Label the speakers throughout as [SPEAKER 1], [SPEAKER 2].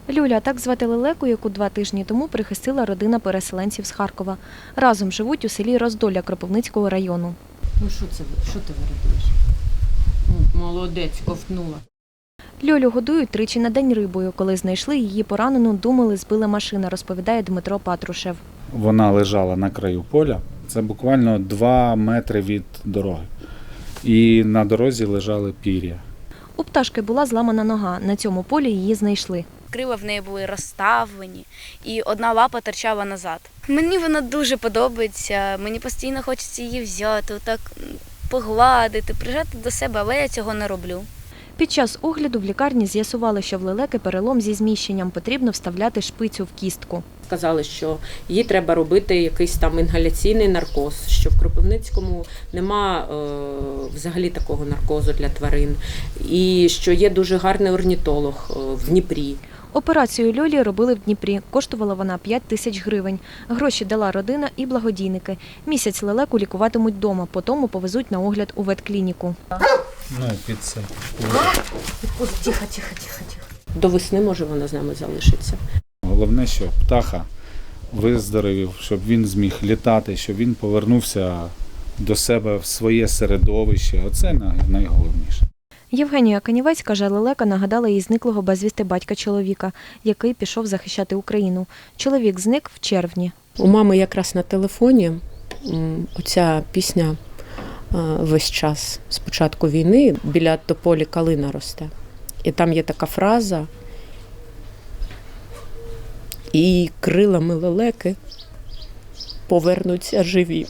[SPEAKER 1] Люля – так звати лелеку, яку 2 тижні тому прихистила родина переселенців з Харкова. Разом живуть у селі Роздоля Кропивницького району.
[SPEAKER 2] Ну що ти виробиш? Молодець, ковтнула.
[SPEAKER 1] Льолю годують 3 на день рибою. Коли знайшли її поранену, думали, збила машина, розповідає Дмитро Патрушев.
[SPEAKER 3] Вона лежала на краю поля, це буквально 2 метри від дороги. І на дорозі лежали пір'я.
[SPEAKER 1] У пташки була зламана нога. На цьому полі її знайшли.
[SPEAKER 4] Крила в неї були розставлені, і одна лапа торчала назад. Мені вона дуже подобається, мені постійно хочеться її взяти, так погладити, прижати до себе, але я цього не роблю.
[SPEAKER 1] Під час огляду в лікарні з'ясували, що в лелеки перелом зі зміщенням, потрібно вставляти шпицю в кістку.
[SPEAKER 2] Сказали, що їй треба робити якийсь там інгаляційний наркоз, що в Кропивницькому нема взагалі такого наркозу для тварин, і що є дуже гарний орнітолог в Дніпрі.
[SPEAKER 1] Операцію Льолі робили в Дніпрі. Коштувала вона 5 тисяч гривень. Гроші дала родина і благодійники. Місяць лелеку лікуватимуть вдома, потім повезуть на огляд у ветклініку.
[SPEAKER 3] Ну, під це.
[SPEAKER 2] Тихо. До весни, може, вона з нами залишиться.
[SPEAKER 3] Головне, щоб птаха виздоровів, щоб він зміг літати, щоб він повернувся до себе в своє середовище. Оце найголовніше.
[SPEAKER 1] Євгенія Канівець каже, лелека нагадала їй зниклого безвісти батька чоловіка, який пішов захищати Україну. Чоловік зник в червні.
[SPEAKER 2] У мами якраз на телефоні оця пісня весь час з початку війни біля тополі калина росте. І там є така фраза: «І крилами лелеки повернуться живі».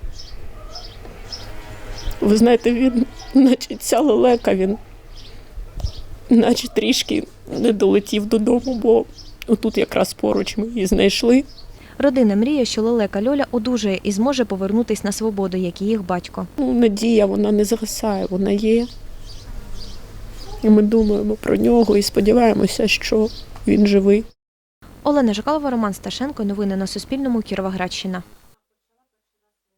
[SPEAKER 2] Ви знаєте, він, наче ця лелека, він наче трішки не долетів додому, бо отут якраз поруч ми її знайшли.
[SPEAKER 1] Родина мріє, що лелека Льоля одужає і зможе повернутися на свободу, як і їх батько.
[SPEAKER 2] Надія, вона не згасає, вона є. І ми думаємо про нього і сподіваємося, що він живий.
[SPEAKER 1] Олена Жикалова, Роман Сташенко. Новини на Суспільному. Кіровоградщина.